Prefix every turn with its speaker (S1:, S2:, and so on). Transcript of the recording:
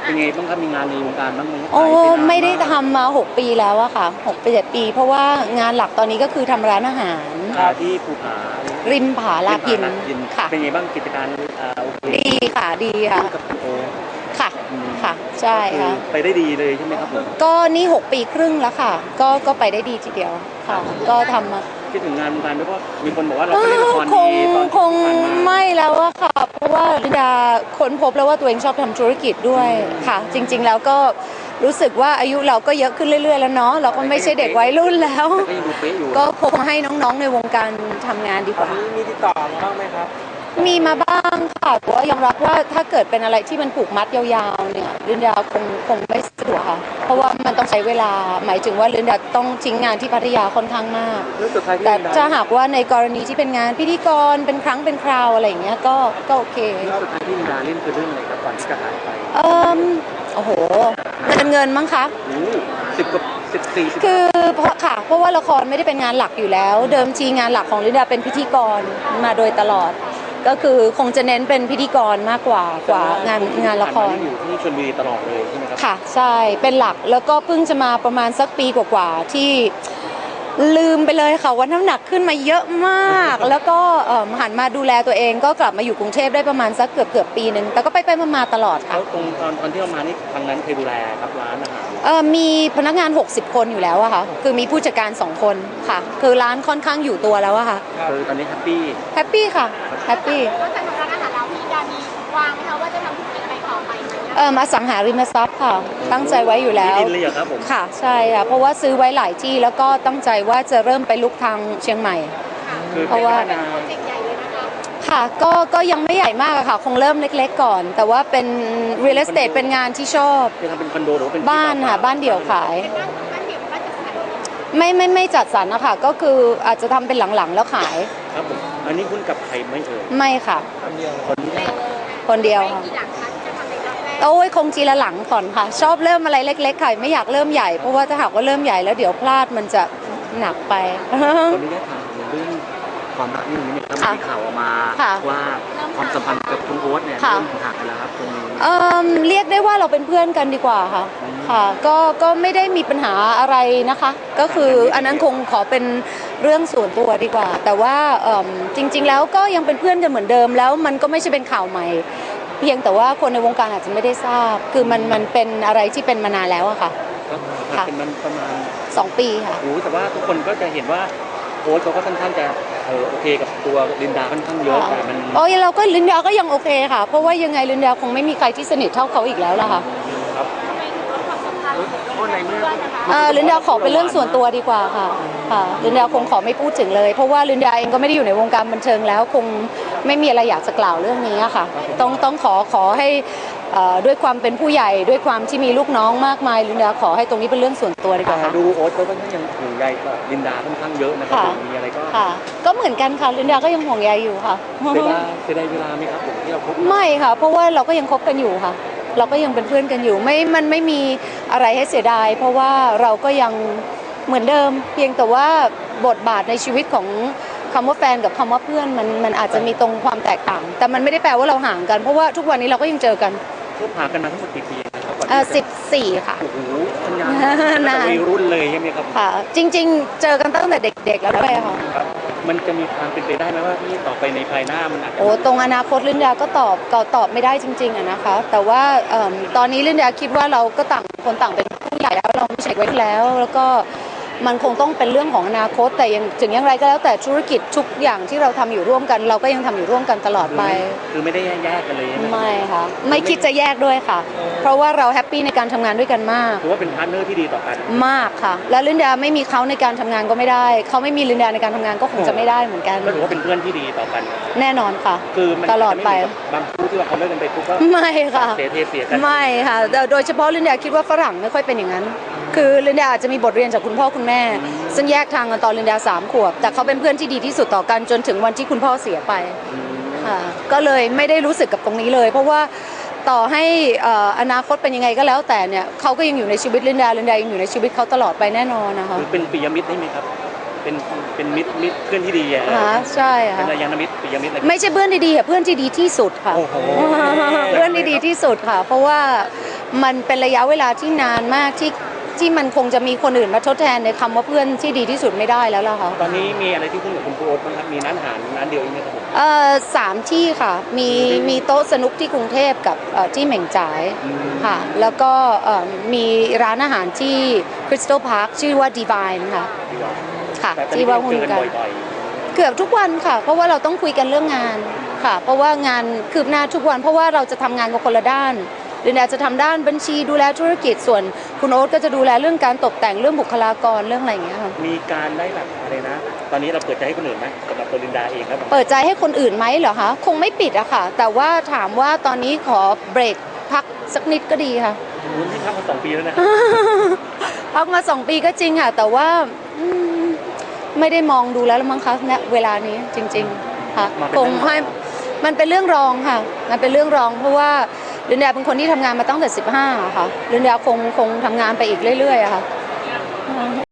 S1: เป็นไงบ้างครับมีงานในวงการบ้างไหม
S2: โอ้ไม่ได้ทำมา6 ปีแล้วอะค่ะ6 ปี 7 ปีเพราะว่างานหลักตอนนี้ก็คือทำร้านอาหาร
S1: ที่ภูผา
S2: ริมผาลากินค่ะ
S1: เป็นไงบ้างกิจการโอเค
S2: ดีค่ะดีค่ะ
S1: กับคุณโอ
S2: ค่ะค่ะใช่ค่ะ
S1: ไปได้ดีเลยใช่ไหมครับผม
S2: ก็นี่6 ปีครึ่งแล้วค่ะก็ไปได้ดีทีเดียวค่ะก็ทำมา
S1: คิดถึงงานวงการด้วยเพราะมีคนบอกว่าเราไปเล่นละครดีตอน
S2: คงไม่แล้วอะค่ะเพราะว่าลินดาค้นพบแล้วว่าตัวเองชอบทำธุรกิจด้วยค่ะจริงๆแล้วก็รู้สึกว่าอายุเราก็เยอะขึ้นเรื่อยๆแล้วเนาะเราก็ไม่ใช่เด็กวัยรุ่นแล้วก็คงให้น้องๆในวงการทำงานดีกว่า
S1: มีติดต่อมาบ้างไหมครับ
S2: มีมาบ้างค่ะแต่ว่ายอมรับว่าถ้าเกิดเป็นอะไรที่มันผูกมัดยาวๆเนี่ยลินดาคงไม่สะดวกค่ะเพราะว่ามันต้องใช้เวลาหมายถึงว่าลินดาต้องทิ้งงานที่พัทยาค่อนข้างมากแต่ถ้าหากว่าในกรณีที่เป็นงานพิธีกรเป็นครั้งเป็นคราวอะไรอย่างเงี้ยก็โอเค
S1: สุดท้ายที่ลินดาเล่นคือเรื่องอะไรครับก่อนที่จะหายไป
S2: โอ้โหเงินมั้งคะ
S1: 14
S2: คือเพราะว่าละครไม่ได้เป็นงานหลักอยู่แล้วเดิมทีงานหลักของลินดาเป็นพิธีกรมาโดยตลอดก็คือคงจะเน้นเป็นพิธีกรมากกว่างานละคร
S1: อยู่ที่ชลบุรีตลอดเลยใช่ไหมครับ
S2: ค่ะใช่เป็นหลักแล้วก็เพิ่งจะมาประมาณสักปีกว่าๆที่ลืมไปเลยค่ะว่าน้ำหนักขึ้นมาเยอะมากแล้วก็หันมาดูแลตัวเองก็กลับมาอยู่กรุงเทพได้ประมาณสักเกือบปีนึงแต่ก็ไปมาตลอดค่ะ
S1: แล้วตอนที่เรามานี่ทางนั้นเคยดูแลครับร้านอาหาร
S2: มีพนักงาน60 คนอยู่แล้วอะค่ะคือมีผู้จัดการ2 คนค่ะคือร้านค่อนข้างอยู่ตัวแล้วอะค่ะ
S1: คือตอนนี้แฮปปี้
S2: ค่ะแฮปปี้
S3: นอกจากร้านอาหารเราพี่ดามีวางไหมคะว่าจะทำธุรกิจอะไรต่อไปไหม
S2: อสังหาริมทรัพย์ค่ะตั้งใจไว้อยู่แล้ว
S1: ดินเลยเหรอครับผม
S2: ค่ะใช่ค่ะเพราะว่าซื้อไว้หลายที่แล้วก็ตั้งใจว่าจะเริ่มไปลุกทางเชียงใหม่
S1: เพราะว่า
S2: ค่ะก็ยังไม่ใหญ่มากค่ะคงเริ่มเล็กๆก่อนแต่ว่าเป็น real estate เป็นงานที่ชอบ
S1: จะทำเป็นคอนโดหรือเป็น
S2: บ้านค่ะบ้านเดี่ยวขายไม่จัดสรรนะคะก็คืออาจจะทำเป็นหลังๆแล้วขาย
S1: ครับผมอันนี้คุณกับใครไม่
S2: ไม่ค่ะคนเดียวค่ะโอ้ยคงทีละหลังก่อนค่ะชอบเริ่มอะไรเล็กๆค่ะไม่อยากเริ่มใหญ่เพราะว่าถ้าหากว่าเริ่มใหญ่แล้วเดี๋ยวพลาดมันจะหนักไป
S1: คนนี้ได้ถามเรื่องความรักนี่มีข่าวออกมาว่าความสัมพันธ์กับคุณโอ๊ตเนี่ยเริ่มห่างกันแล้วครับตรงนี้
S2: เรียกได้ว่าเราเป็นเพื่อนกันดีกว่าค่ะค่ะก็ไม่ได้มีปัญหาอะไรนะคะก็คืออันนั้นคงขอเป็นเรื่องส่วนตัวดีกว่าแต่ว่าจริงๆแล้วก็ยังเป็นเพื่อนกันเหมือนเดิมแล้วมันก็ไม่ใช่เป็นข่าวใหม่เพียงแต่ว่าคนในวงการอาจจะไม่ได้ทราบคือมันเป็นอะไรที่เป็นมานานแล้วอะค่ะ
S1: ค่ะเป็นมันประมาณ
S2: 2 ปีค่ะ
S1: แต่ว่าทุกคนก็จะเห็นว่าโอ๊ตเขาก็ค่อนข้างจะโอเคกับตัวลินดาค่อนข้างเยอะแต่มัน
S2: เราก็ลินดาก็ยังโอเคค่ะเพราะว่ายังไงลินดาคงไม่มีใครที่สนิทเท่าเขาอีกแล้วล่ะค่ะ
S1: ครับ
S2: ลินดาขอเป็นเรื่องส่วนตัวดีกว่าค่ะลินดาคงขอไม่พูดถึงเลยเพราะว่าลินดาเองก็ไม่ได้อยู่ในวงการบันเทิงแล้วคงไม่มีอะไรอยากจะกล่าวเรื่องนี้ค่ะต้องขอให้ด้วยความเป็นผู้ใหญ่ด้วยความที่มีลูกน้องมากมายลินดาขอให้ตรงนี้เป็นเรื่องส่วนตัวดีกว่าค่ะ
S1: ดูโอ๊ตก็ค่อนข้างยังห่วงใยกับลินดาค่อนข้างเยอะนะครับมีอะไร
S2: ก็เหมือนกันค่ะลินดาก็ยังห่วงใยอยู่ค่ะ
S1: เสียดายเวลาไหมครับผมที่เราคบ
S2: ไม่ค่ะเพราะว่าเราก็ยังคบกันอยู่ค่ะเราก็ยังเป็นเพื่อนกันอยู่มันไม่มีอะไรให้เสียดายเพราะว่าเราก็ยังเหมือนเดิมเพียงแต่ว่าบทบาทในชีวิตของคำว่าแฟนกับคำว่าเพื่อนมันอาจจะมีตรงความแตกต่างแต่มันไม่ได้แปลว่าเราห่างกันเพราะว่าทุกวันนี้เราก็ยังเจอกัน
S1: ห่างกันมาทั้งหมดกี่ปี
S2: 14ค่ะ
S1: โอ้โหนานวัยรุ่นเลยใช่ไหมครับ
S2: ค่ะจริงๆเจอกันตั้งแต่เด็กๆแล้วด้วยค่ะ
S1: มันจะมีความเป็นไปได้ไหมว่าที่ต่อไปในภายหน้ามันอาจจะ
S2: ตรงอนาคตลินดาก็ตอบไม่ได้จริงๆอะนะคะแต่ว่าตอนนี้ลินดาคิดว่าเราก็ต่างคนต่างเป็นผู้ใหญ่แล้วเราไม่ใช่ไว้แล้วก็มันคงต้องเป็นเรื่องของอนาคตแต่ถึงอย่างไรก็แล้วแต่ธุรกิจทุกอย่างที่เราทำอยู่ร่วมกันเราก็ยังทำอยู่ร่วมกันตลอดไป
S1: คือไม่ได้แยกกันเลย
S2: ไม่ค่ะไม่คิดจะแยกด้วยค่ะเพราะว่าเราแฮปปี้ในการทำงานด้วยกันมาก
S1: ถือว่าเป็นพาร์ทเนอร์ที่ดีต่อกัน
S2: มากค่ะและลินดาไม่มีเขาในการทำงานก็ไม่ได้เขาไม่มีลินดาในการทำงานก็คงจะไม่ได้เหมือนกัน
S1: ก็ถือว่าเป็นเพื่อนที่ดีต่อกัน
S2: แน่นอนค่ะ
S1: คือ
S2: ตลอดไป
S1: บางคู่ที่ว่าเขาเลิกกันไปปุ๊บก็
S2: ไม่ค่ะ
S1: เสียกัน
S2: ไม่ค่ะโดยเฉพาะลินดาคิดว่าฝรั่งไม่ค่อยเป็นอย่างนั้นคือลินดาอาจจะมีบทเรียนจากคุณพ่อคุณแม่ซึ่งแยกทางกันตอนลินดา3 ขวบแต่เขาเป็นเพื่อนที่ดีที่สุดต่อกันจนถึงวันที่คุณพ่อเสียไปค่ะก็เลยไม่ได้รู้สึกกับตรงนี้เลยเพราะว่าต่อให้อนาคตเป็นยังไงก็แล้วแต่เนี่ยเขาก็ยังอยู่ในชีวิตลินดายังอยู่ในชีวิตเขาตลอดไปแน่นอนนะคะ
S1: เป็นปิยมิตรได้ไหมครับเป็นมิตรเพื่อนที่ดีอ่ะ
S2: ใช่ค่ะ
S1: เป็นยานมิตรปิยมิตร
S2: ไม่ใช่เพื่อนดีๆเพื่อนที่ดีที่สุดค่ะเพื่อนที่ดีที่สุดค่ะเพราะว่ามันเป็นระยะเวลาที่นานมากที่มันคงจะมีคนอื่นมาทดแทนในคำว่าเพื่อนที่ดีที่สุดไม่ได้แล้วล่ะค่ะ
S1: ตอนนี้มีอะไรที่คุณกับคุณโอ๊ตบ้างครับมีร้านอาหารร้านเดียวเองไหมครับผม
S2: 3 ที่ค่ะมีโต๊ะสนุกที่กรุงเทพกับที่เหม่งจ่ายค่ะแล้วก็มีร้านอาหารที่คริสตัลพาร์คชื่อว่า Divine ค่ะค่ะที่ว่าหุ้นกันเกือบทุกวันค่ะเพราะว่าเราต้องคุยกันเรื่องงานค่ะเพราะว่างานคืบหน้าทุกวันเพราะว่าเราจะทำงานกับคนละด้านเรนดาจะทำด้านบัญชีดูแลธุรกิจส่วนคุณโอ๊ตก็จะดูแลเรื่องการตกแต่งเรื่องบุคลากรเรื่องอะไรอย่างเงี้ยค่ะ
S1: มีการได้แบบอะไรนะตอนนี้เราเปิดใจให้คนอื่นไหมสำหรับตัวลินดาเองครับ
S2: เปิดใจให้คนอื่นไหมเหรอคะคงไม่ปิดอะค่ะแต่ว่าถามว่าตอนนี้ขอเบรกพักสักนิดก็ดีค่ะ
S1: คุณที่พักมา2 ปีแล้วนะ
S2: พักมา2 ปีก็จริงค่ะแต่ว่าไม่ได้มองดูแล้วมั้งคะณเวลานี้จริงๆค่ะคงให้มันเป็นเรื่องรองค่ะมันเป็นเรื่องรองเพราะว่าลินดาเป็นคนที่ทำงานมาตั้งแต่15ค่ะลินดาคงทำงานไปอีกเรื่อยๆอะค่ะ